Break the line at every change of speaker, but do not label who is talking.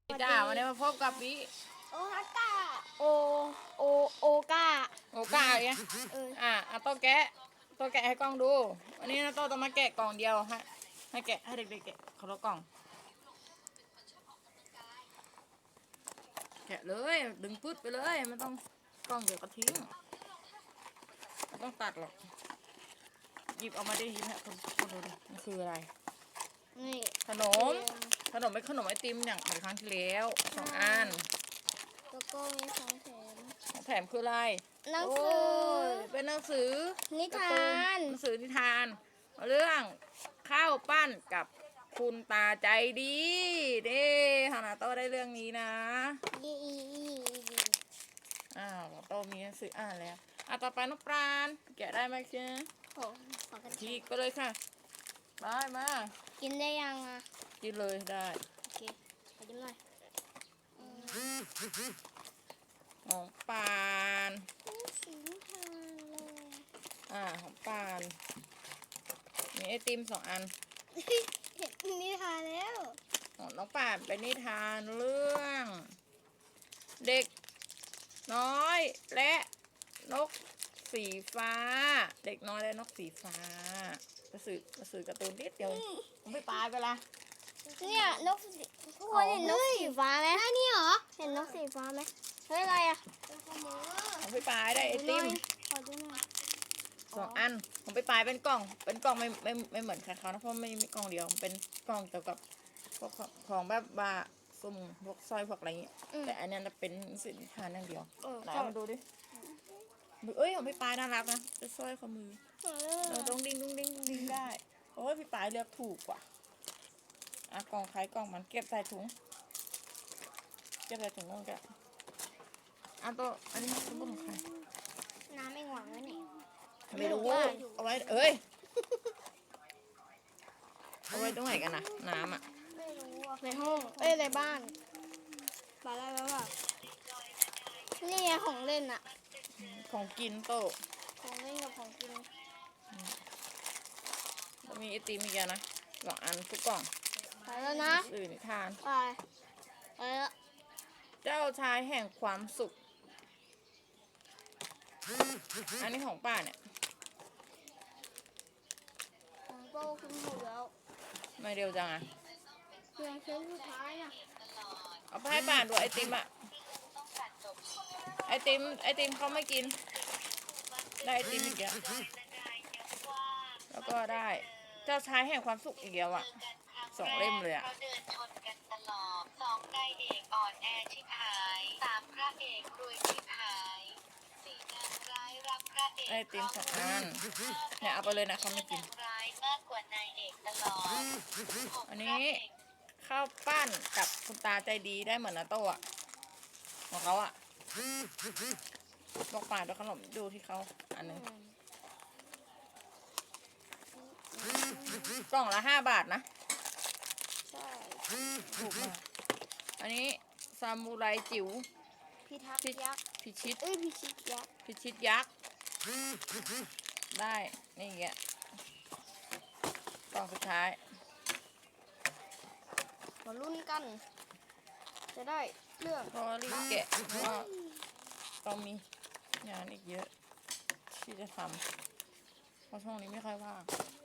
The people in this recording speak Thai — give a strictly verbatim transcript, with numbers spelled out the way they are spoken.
จ้าวันนี้มาพบกับวิ
โอฮาก้าโอโอโอก้า
โอกาเนี่ย
เออ
อ่ะเอาโต๊ะแกะโต๊ะแกะให้กล้องดูวันนี้นะโต๊ะต้องมาแกะกล่องเดียวให้ให้แกะให้เด็กๆแกะเขาละกล่องแกะเลยดึงปึ๊ดไปเลยไม่ต้องกล้องเดี๋ยวก็ทิ้งไม่ต้องตัดหรอกหยิบออกมาได้ยินฮะคนคนดูดิมันคืออะไร
นี่
ขนมขนมเป็นขนมไอติมอย่างเหมือนครั้งที่แล้วสองอัน
แล้วก็มีของแถม
ของแถมคืออะไร
หนังสือ
โยเป็นหนังสือ
นิทาน
หนังสือนิทานเรื่องข้าวปั้นกับคุณตาใจดีเด้ฮานาโต้ได้เรื่องนี้นะ
ยีอีอีอี
อ้าวโต้มีหนังสืออ่านแล้วอ่ะต่อไปน้องปราณแกะได้ไหมเจ๊
โอ้ขอกันที
ทีก็เลยค่ะได้มา
กินได้ยังอ่ะ
กินเลยได้
โอเคขอจิ้มหน่อย
ของปาน
นี่สีนิทานเลย
อ่าของปานมีไอติมสองอัน
เห็นนิทานแล้ว
ของน้องป่านเป็นนิทานเรื่อง เด็กน้อยและนกสีฟ้า เด็กน้อยและนกสีฟ้าหนังสือหนังสือการ์ตูนนิดเดียวผมไม่ปลายไปละ
เนี่ยนกสีทุกคนเห็นนกสีฟ้าไหมได้นี่เหรอเห็นนกสีฟ้าไหมเฮ้ยอะไรอ่ะ
ผมไปปลายได้ไอติม
ขอดูหน่อย
สองอันผมไปปลายเป็นกล่อง เป็นกล่องไม่ไม่ไม่เหมือนใครเขานะเพราะไม่มีกล่องเดียวเป็นกล่องเกี่ยวกับพวกของของแบบบาสุ่มพวกสร้อยพวกอะไรอย่างเงี้ยแต่อันนี้จะเป็นสินค้าอย่างเดียว
เออ
ไหนเอามาดูดิดูเอ้ยของพี่ปลายน่ารักนะเป็นสร้อยข้อมือ เราต้องดิ้งดิ้งดิ้งดิ้งได้โอ้ยพี่ปายเลือกถูกกว่าอ่ะกล่องใครกล่องมันเก็บใส่ถุงเก็บใส่ถุงนั่นกันอ่ะตัวอันนี้เป็นของใคร
น้ำไม่หวังไว้ไหน
ไม่รู้เอาไว้เอ้ยเอาไว้ตรงไหนกันนะน้ำอ่ะ
ไม่รู้อ่ะในห้องเอ้ยในบ้านบาแล้วแบบนี่ไงของเล่นอะ
ของกินโต
ของเล่นกับของกิน
แล้วมีไอติมอีกอย่างนะสองอันทุกกล่อง
ไปแล้วนะ
สื่อนิทาน
ไปไปแล้ว
เจ้าชายแห่งความสุขอันนี้ของป้าเนี่ย
ของโตขึ้นหมดแล้ว
ไม่เร็วจังอ่ะ
เพียงเส้นสุดท้ายน่ะ
เอาไปให้ป้าดูไอติมอ่ะไอติมไอติมเขาไม่กินได้ไอติมอีกแล้วแล้วก็ได้เจ้าชายแห่งความสุขอีกแล้วอ่ะสองเล่มเลยอ่ะ
เราเดินชนกันตลอดสองนายเอกอ่อนแอชิบหายสามพระเอกรวยชิบหายสี่นางร้ายรักพระเอก
ไอติมสองอันเนี่ยเอาไปเลยนะเขาไม่กิน
นางร้ายมากกว่านายเอกตลอดหก
อันนี้ข้าวปั้นกับคุณตาใจดีได้เหมือนนาโต้อะของเขาอะบอกป่าด้วยขนมดูที่เขาอันหนึงกล่องละห้าบาทนะ
ใช่
ถูกมากอันนี้ซามูไรจิ๋ว
พิทักษ์
พิ
ยักษ์
พิชิต
เอ้ยพิชิตยักษ์
พิชิตยักษ์ได้นี่แกะกล่องสุดท้าย
มาลุ้นกัน จะได้เรื่อง
เพราะว่ารีบแกะเพราะว่าต้องมีงานอีกเยอะที่จะทำเพราะช่วงนี้ไม่ค่อยว่าง